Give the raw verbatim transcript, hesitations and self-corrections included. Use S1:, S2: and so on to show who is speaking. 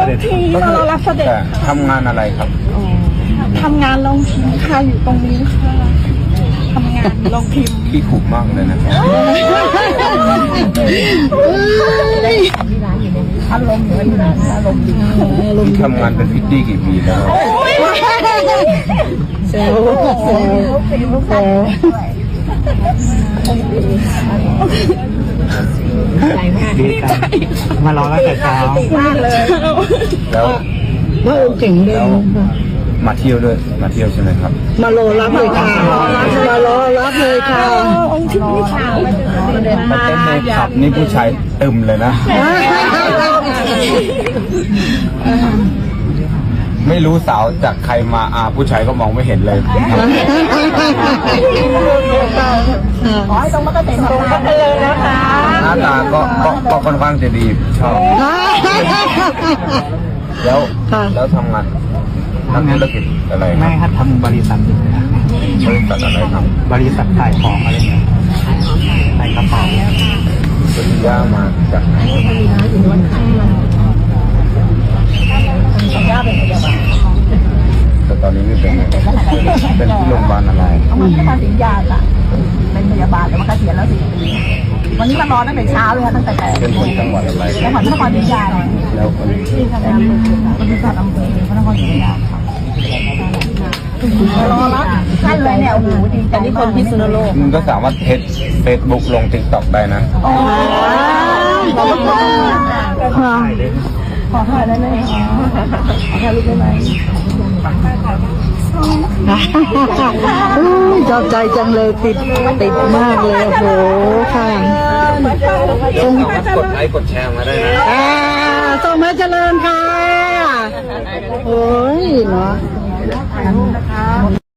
S1: ด็จ
S2: ทีมารอรับเสด็จ
S3: ทำงานอะไรครับ
S2: ทำงานลงพิมพ์ค่ะอยู่ตรงนี้ค่ะทำงานลงพิมพ์
S3: พี่ถูกมากเลยนะ
S2: อารมณ์เหมือนกันอารมณ์ดี
S3: พี่ทำงานเป็นพิตตี้กี่ปีแล้ว
S2: เซลเซลเซล
S1: ดีใจมารอตั้งแต่เช้า
S2: มากเลย
S3: แล้ว
S4: ว่าองค์เก่งเล
S3: แล้
S4: ยว
S3: มาเที่ยวด้วยมาเที่ยวใช่ไหมครับ
S4: มารอรับเลยค่ะมารอรับเลยค่ะ
S2: องค์ที่นี่ค่ะ
S3: มาเต้นในผับนี่ผู้ชายตึมเลยนะ ไม่รู้สาวจากใครมาอาผู้ชายก็มองไม่เห็นเลย
S2: ขอให้ตรงมาก็เต็มตรงกันเลยนะคะ
S3: หน้าตาก็ก็ก็ค่อนข้างจะดีชอบ แล้วแล้วทำงานทำธุรกิจอะไรค
S1: แม่
S3: รับ
S1: ครับทำบริษัท
S3: บริษัทอะไรครับ
S1: บริษัทขายของอะไรเงี้ยขายกระเป๋า
S3: ปริญญามาจากไหนแต่ตอนนี้ไม่เป็นเป็นที่โรงพยาบาลอะไร
S2: เอามาที่มาสิงยาค่ะเป็นพยาบาลแต่ว่าเกษียณแล้วสี่ปีวันนี้มารอตั้งแต่เช้าเลยค่ะตั้งแต่
S3: เป็นคนจังหวัดอะไร
S2: จังหวัดนครศรีธรรมราช
S3: แล้วคน
S2: ที่ทำงานบริษัทอำเภอพระนครศรีธรรมราชค่ะรอรับท่านเลยเนี่ยโอ้โหดีใจนี่คนพิษณุโลก
S3: มันก็สามารถเทสเฟซบุ๊กลงติ๊กต็อกได้นะ
S2: โอ้ยขอบคุณค่ะขอถ่ายได้ไหมขอถ่ายรูปได้ไหม
S4: ชอบใจจังเลยติดติดมากเลยโอ้โหค่ะ
S3: สามารถกดไลค์กดแชร์มาได้นะ
S4: อ่าส่งมาเจริญค่ะโอ้ยเนาะ